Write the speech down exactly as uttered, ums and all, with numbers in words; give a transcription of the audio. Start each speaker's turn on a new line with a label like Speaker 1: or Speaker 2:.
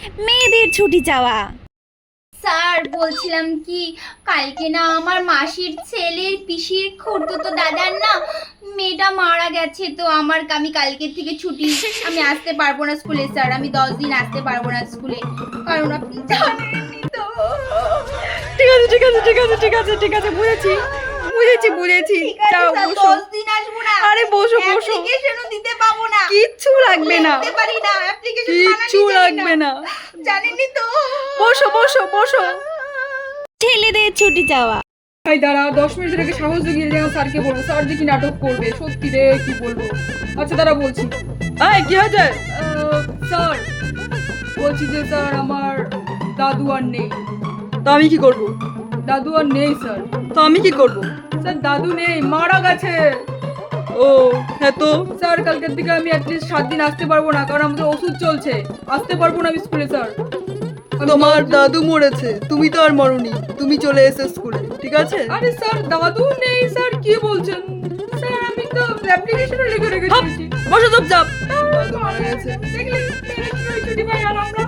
Speaker 1: মেয়েদের ছুটি চাওয়া।
Speaker 2: স্যার বলছিলাম কি, কালকে না আমার মাসির ছেলের পিসির খুড়তুতো দাদার না মেয়েটা মারা গেছে, তো আমার আমি কালকে থেকে ছুটি, আমি আসতে পারবো না স্কুলে স্যার, আমি দশ দিন আসতে পারবো না স্কুলে, কারণ আপনি জানেনই তো।
Speaker 1: ঠিক আছে ঠিক আছে ঠিক আছে ঠিক আছে ঠিক আছে বুঝেছি বুঝেছি বুঝেছি যাও বসো।
Speaker 2: দশ দিন আসবো না।
Speaker 1: আরে বসো বসো,
Speaker 2: অ্যাপ্লিকেশনও দিতে পাবো না,
Speaker 1: কিচ্ছু লাগবে না,
Speaker 2: লিখতে পারি না, অ্যাপ্লিকেশন
Speaker 1: কিচ্ছু লাগবে না,
Speaker 2: জানেনই তো।
Speaker 1: বসো বসো বসো। ছেলেদের ছুটি চাওয়া।
Speaker 3: ভাই দাঁড়া, দশ মিনিট রেখে সাহস জুগিয়ে যেন স্যারকে বলবো, স্যার যে কি নাটক করবে, সত্যি রে কি বলবো। আচ্ছা দাঁড়া বলছি।
Speaker 1: এই কি হয়েছে?
Speaker 3: আহ, স্যার বলছি যে স্যার আমার দাদু আর নেই।
Speaker 1: তো আমি কি করব?
Speaker 3: দাদু আর নেই স্যার।
Speaker 1: তো আমি কি করব?
Speaker 3: স্যার দাদু নেই, মারা গেছে।
Speaker 1: ও হ্যাঁ, তো
Speaker 3: স্যার কালকের দিকে আমি অ্যাটলিস্ট সাত দিন আসতে পারবো না, কারণ আমাদের ওষুধ চলছে, আসতে পারবো না আমি স্কুলে স্যার। আমি
Speaker 4: তোমার
Speaker 3: দশ-
Speaker 4: দাদু মরেছে, তুমি তো আর মরনি, তুমি চলে এসে স্কুলে, ঠিক আছে?
Speaker 3: আরে স্যার দাদু নেই স্যার, কি বলছেন স্যার? আমি তো অ্যাপ্লিকেশনে লিখে রেখে দিয়েছি।
Speaker 1: বসো চুপচাপ।
Speaker 4: দাদু মারা গেছে।
Speaker 3: দেখলে ছুটি পাই আর আমরা